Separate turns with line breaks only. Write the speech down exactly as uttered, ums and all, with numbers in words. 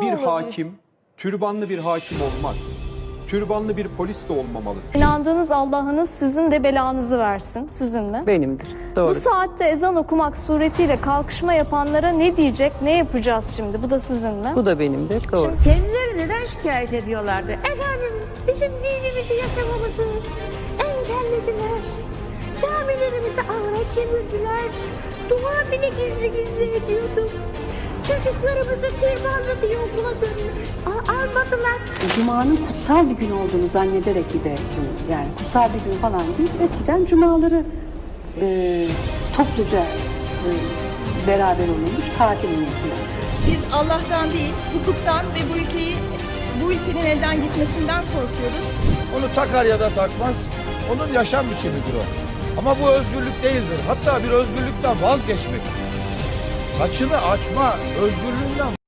Nasıl
bir
olabilir?
hakim, türbanlı bir hakim olmaz. Türbanlı bir polis de olmamalı.
İnandığınız Allah'ınız sizin de belanızı versin. Sizin mi?
Benimdir. Doğru.
Bu saatte ezan okumak suretiyle kalkışma yapanlara ne diyecek, ne yapacağız şimdi? Bu da sizin mi?
Bu da benimdir. Doğru.
Kendileri neden şikayet ediyorlardı? Efendim bizim dinimizi yaşamamızı engellediler. Camilerimizi avra çevirdiler. Dua bile gizli gizli ediyorduk. Çocuklarımızı firmanlı diye okula gönderdiler. Almadılar.
Cuma'nın kutsal bir gün olduğunu zannederek bir de yani kutsal bir gün falan değil. Eskiden cumaları e, topluca e, beraber olunmuş tatil niyetine.
Biz Allah'tan değil, hukuktan ve bu ülkeyi, bu ülkenin elden gitmesinden korkuyoruz.
Onu takar ya da takmaz, onun yaşam biçimidir o. Ama bu özgürlük değildir. Hatta bir özgürlükten vazgeçmek. Saçını açma, özgürlüğünden